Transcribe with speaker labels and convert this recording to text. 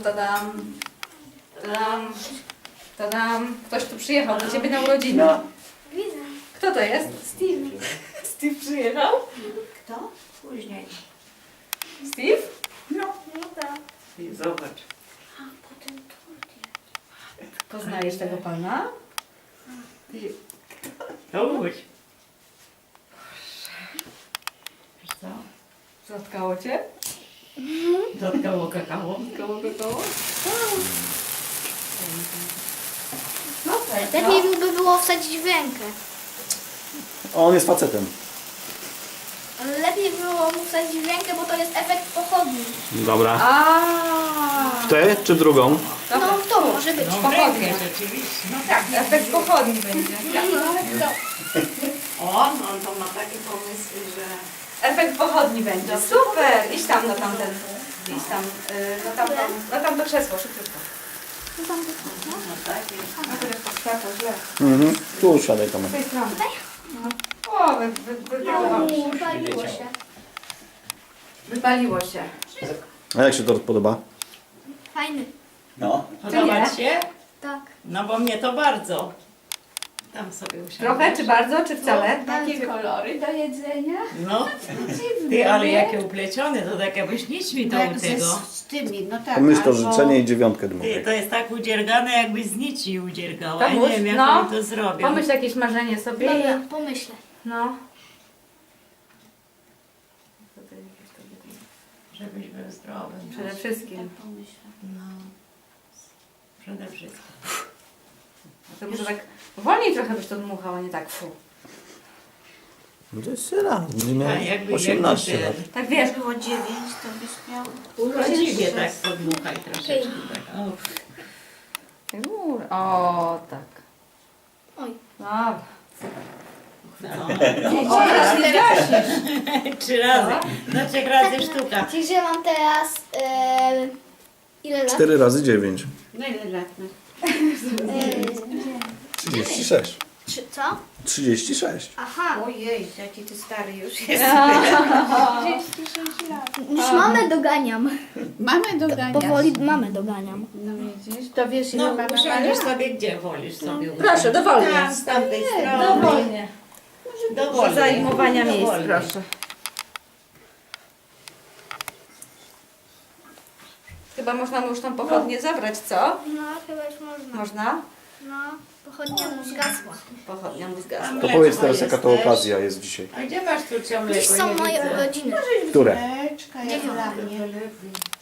Speaker 1: tadam. Tadam. Tadam. Ktoś tu przyjechał do ciebie na urodziny.
Speaker 2: Widzę.
Speaker 1: Kto to jest?
Speaker 2: Steve.
Speaker 1: Steve przyjechał?
Speaker 2: Kto? Później.
Speaker 1: Steve?
Speaker 2: No tak.
Speaker 3: I zobacz.
Speaker 2: A potem tort jest.
Speaker 1: Poznajesz tego pana?
Speaker 3: Tomuś. Wiesz co?
Speaker 1: Zatkało cię?
Speaker 3: Dotkało kakao.
Speaker 1: Koło do koło? No tak.
Speaker 2: Lepiej by było wsadzić w rękę.
Speaker 4: On jest facetem.
Speaker 2: Ale lepiej było mu wsadzić w rękę, bo to jest efekt pochodni.
Speaker 4: Dobra.
Speaker 1: A.
Speaker 4: W tę czy w drugą?
Speaker 2: No to może być.
Speaker 3: No w
Speaker 1: Pochodnie.
Speaker 3: rękę rzeczywiście. No tak.
Speaker 1: Efekt pochodni będzie.
Speaker 3: On to ma takie pomysły, że...
Speaker 1: Efekt pochodni będzie. Super! Idź tam na tamten. Idź tam. Na tamto krzesło, szybciutko.
Speaker 3: No takie.
Speaker 1: A to jest pod światło, źle.
Speaker 4: Mhm. Tu usiadaj tam.
Speaker 1: Z tej strony. No. O,
Speaker 2: Paliło się.
Speaker 1: wypaliło się.
Speaker 4: A jak się tort podoba?
Speaker 2: Fajny.
Speaker 4: No.
Speaker 3: Podoba ci się?
Speaker 2: Tak.
Speaker 3: No bo mnie to bardzo. Tam sobie usiadłem.
Speaker 1: Trochę, czy bardzo, czy wcale?
Speaker 2: Takie kolory do jedzenia.
Speaker 3: No. Ty, ale jakie uplecione, to tak jakbyś nićmi to u tego.
Speaker 5: Z tymi, no tak.
Speaker 4: Pomyśl to
Speaker 5: albo-
Speaker 4: życzenie i dziewiątkę
Speaker 3: Ty,
Speaker 4: dmuchaj.
Speaker 3: to jest tak udziergane, jakbyś z nici udziergała. Ja
Speaker 1: Tomuś,
Speaker 3: nie wiem, jak
Speaker 1: no.
Speaker 3: oni to zrobią.
Speaker 1: Pomyśl jakieś marzenie sobie.
Speaker 2: Dobra, pomyślę.
Speaker 1: No.
Speaker 3: Żebyś był zdrowy.
Speaker 1: Przede wszystkim.
Speaker 3: No. Przede wszystkim.
Speaker 1: To może tak wolniej trochę byś to dmuchał, a nie tak fu.
Speaker 4: No to jest raz. Będzie miał
Speaker 3: Tak, jakby
Speaker 4: 18 lat.
Speaker 1: Tak wiesz,
Speaker 5: Jak było 9, to byś miał...
Speaker 3: Urodziwie tak podmuchaj troszeczkę. Tak. O,
Speaker 1: O, tak.
Speaker 2: Oj.
Speaker 1: Dobra.
Speaker 3: no.
Speaker 1: O, teraz nie gasisz.
Speaker 3: 3 razy. No 3 razy sztuka.
Speaker 2: Czyli że mam teraz... ile lat?
Speaker 4: 4 razy 9.
Speaker 5: No ile lat masz?
Speaker 4: 36.
Speaker 2: Co?
Speaker 4: 36.
Speaker 2: Aha.
Speaker 5: Ojej, jaki ty stary już jest.
Speaker 2: Już mamę doganiam.
Speaker 5: Mamy do dania.
Speaker 2: Powoli mamę doganiam.
Speaker 5: No widzisz, to wiesz ile
Speaker 3: No
Speaker 5: mama
Speaker 3: usiądziesz
Speaker 5: ma?
Speaker 3: sobie gdzie wolisz sobie.
Speaker 1: Proszę, dowolnie.
Speaker 5: Tam, z tamtej strony.
Speaker 1: Dowolnie.
Speaker 3: Dowolnie.
Speaker 1: Zajmowania miejsc,
Speaker 3: Dowolnie.
Speaker 1: proszę. Chyba można mu już tą pochodnię zabrać, co?
Speaker 2: No, chyba już można.
Speaker 1: Można?
Speaker 2: No, pochodnia mu zgasła.
Speaker 1: Pochodnia mu zgasła.
Speaker 4: To powiedz teraz jaka to okazja jest dzisiaj.
Speaker 3: A gdzie masz tu ciągle?
Speaker 2: Dziś są moje urodziny.
Speaker 4: Które?
Speaker 5: Mleczka, jak dla mnie.